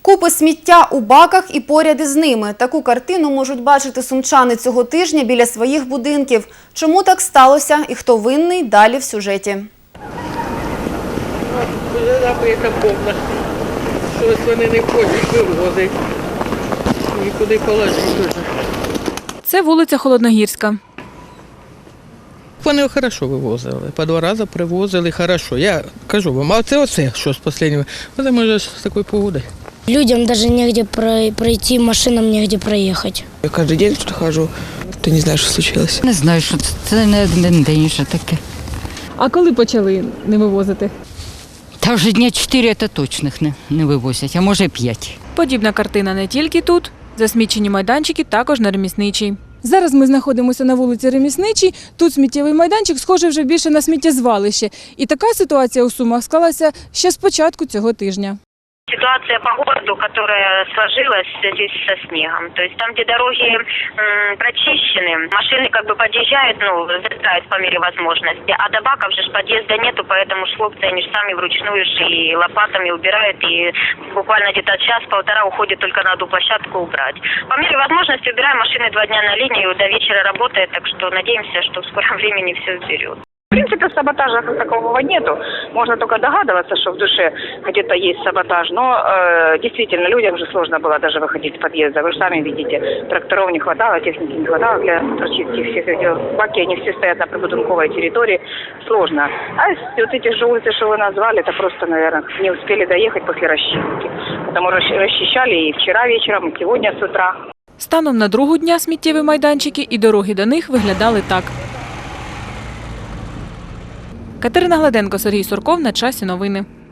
Купи сміття у баках і поряд із ними. Таку картину можуть бачити сумчани цього тижня біля своїх будинків. Чому так сталося і хто винний – далі в сюжеті. Забита повна. Щось вони не хочуть вивозити. Нікуди положити. Це вулиця Холодногірська. Вони добре вивозили. По 2 рази привозили хорошо. Я кажу вам, а оце що з останнього? Це може з такою погодою. Людям навіть негде пройти, машинам негде проїхати. Я кожен день тут хожу, то не знаю, що случилось. Не знаю, що це не один день вже таке. А коли почали не вивозити? Та вже дня 4 це точних не вивозять, а може 5. Подібна картина не тільки тут. Засмічені майданчики також на Ремісничій. Зараз ми знаходимося на вулиці Ремісничій. Тут сміттєвий майданчик схожий вже більше на сміттєзвалище. І така ситуація у Сумах склалася ще з початку цього тижня. Ситуация по городу, которая сложилась в связи со снегом. То есть там, где дороги прочищены, машины как бы подъезжают, залетают по мере возможности, а до баков же подъезда нету, поэтому хлопцы, они же сами вручную и лопатами убирают, и буквально где-то час-полтора уходит только на одну площадку убрать. По мере возможности убираем машины 2 дня на линию, до вечера работает, так что надеемся, что в скором времени все уберет. В принципе, саботажа как такового нету. Можно только догадываться, что в душе где-то есть саботаж. Но действительно, людям же сложно было даже выходить с подъезда. Вы же сами видите, тракторов не хватало, техники не хватало для прочистки всех этих баки. Они все стоят на прибудинковой территории. Сложно. А вот эти же улицы, что вы назвали, это просто, наверное, не успели доехать после расчистки. Потому расчищали и вчера вечером, и сегодня с утра. Станом на другу дня сміттєві майданчики і дороги до них виглядали так. Катерина Гладенко, Сергій Сурков. На часі новини.